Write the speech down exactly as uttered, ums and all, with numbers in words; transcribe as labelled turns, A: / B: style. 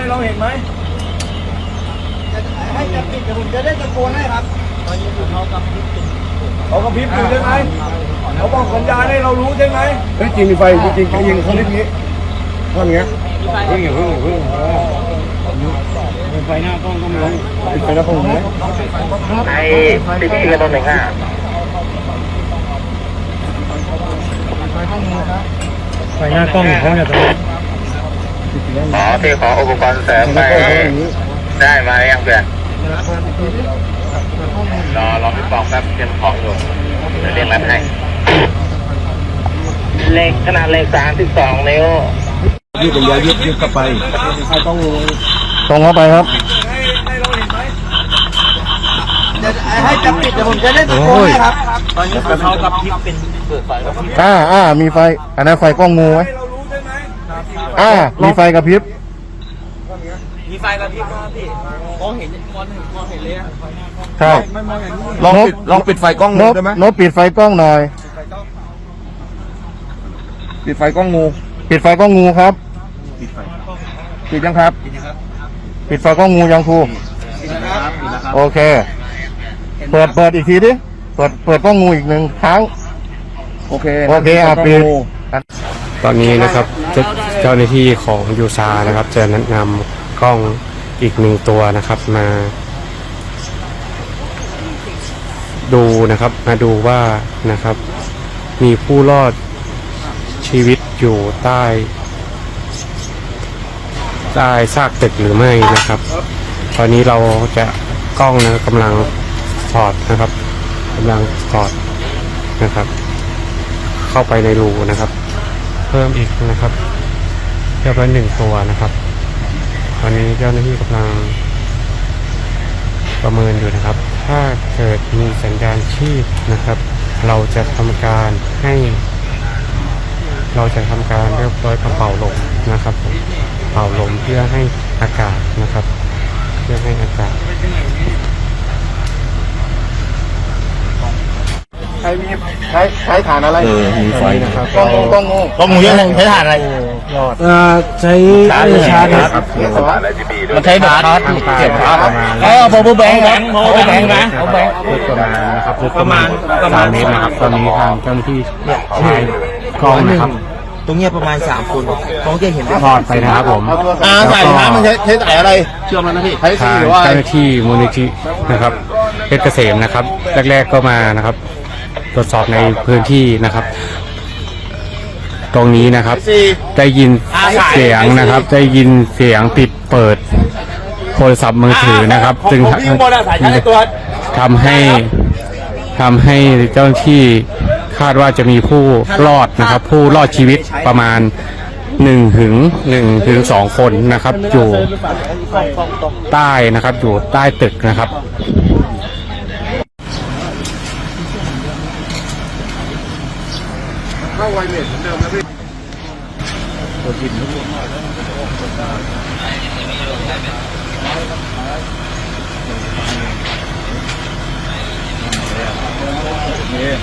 A: เราเห็นไหม
B: ให้จะปิดเดี๋ยวผมจะได้ตะโกนให้ครับตอนนี้เขากำลังปิด
A: เขากระพริบอยู่ใช่ไหมเขาบอกสัญญาณให้เรารู้ใช่ไหม
C: เฮ้ยจริงมีไฟจริงๆเขายิงเขาเล่นงี้ท่อนเงี้ยเพิ่งอย่างเพิ่งอย่างเพิ่งไฟหน้ากล้องก็ไม่ลงไฟหน้ากล้องไหม
D: ไอ้ติดที่กระโดดหนึ่งห้า
C: ไฟหน้ากล้องเขาจะต้อง
D: ขอที่ขออุปกรณ์เสริมไปได้มาอย่างเพื่อนรอรอพี่ปองแป๊บเตรียมของอยู่เดี๋ยวเรียกรับให้เลขขนาดเลขสามสิบสองนิ้ว
C: ยืดเป็นยายืดยืดเข้าไปใครต้องตรงเข้าไปครับ
B: ให้จะปิดเดี๋ยวผมจะได้ตะโกนให้ครับตอนนี้เขากับพริบเป็นเปิดไฟกับพริบ
C: อ่าอ่ามีไฟอันนั้นไฟกล้องงูไหมอ่ามีไฟกระพริบ
B: มีไฟกับพริบครับพี่มองเห็นมองเห็นมองเห็นเลย
C: ใช่
A: ลองปิดลองปิดไฟกล้องงูได้ไหม
C: นบปิดไฟกล้องหน่อย
A: ปิดไฟกล้องงู
C: ปิดไฟกล้องงูครับปิดยังครับปิดไฟกล้องงูยังครูโอเคเปิดเปิดอีกทีดิเปิดเปิดกล้องงูอีกหนึ่งครั้ง
A: โอเค
C: โอเคอ่ะปิด
E: ตอนนี้นะครับเจ้าหน้าที่ของยูซานะครับจะแนะนำกล้องอีกหนึ่งตัวนะครับมาดูนะครับมาดูว่านะครับมีผู้รอดชีวิตอยู่ใต้ใต้ซากตึกหรือไม่นะครับ ตอนนี้เราจะกล้องนะกำลังถอดนะครับกำลังถอดนะครับเข้าไปในรูนะครับเพิ่มอีกนะครับเรียบร้อยหนึ่งตัวนะครับตอนนี้เจ้าหน้าที่กำลังประเมินอยู่นะครับถ้าเกิดมีสัญญาณชีพนะครับเราจะทำการให้เราจะทำการเรียบร้อยกระเป๋าลมนะครับเป่าลมเพื่อให้อากาศนะครับเพื่อให้อากาศ
C: ใช้มีใช้ใช้ฐานอะไร
A: เออมีไฟ
C: นะครับกล้องกล้องงู
B: กล้องงูยังใช้ถ่านอะไร
C: รอด
E: ใช้ชาร์จชาร์จครับ
B: มันใช้แบบชาร์จเก็บชาร์จเออพอบูแบงค์แบงค์พอแบงค์นะพอแบงค์
E: ประมาณนะครับประมาณประมาณนี้นะครับตอนนี้ทางเจ้าหน้าที่ใช้กล้องนะครับ
B: ตรงเนี้ยประมาณสามคนเขาจะเห็น
E: ทอดไปนะครับผม
C: อ่าใส่น้ำมันใช้ใช้สายอะไรเชื่อมแล้วนะพี่ใช้
E: ทางเจ้าหน้าที่มูลนิธินะครับเพชรเกษมนะครับแรกๆก็มานะครับตรวจสอบในพื้นที่นะครับตรงนี้นะครับได้ยินเสียงนะครับได้ยินเสียงปิดเปิดโทรศัพท์มือถือนะครับจึงทำให้ทำให้เจ้าหน้าที่คาดว่าจะมีผู้รอดนะครับผู้รอดชีวิตประมาณหนึ่งถึงหนึ่งถึงสองคนนะครับอยู่ใต้นะครับอยู่ใต้ตึกนะครับ
C: เข้าไวเลสเหมือนเดิมนะพี่ตัวกินทุกคน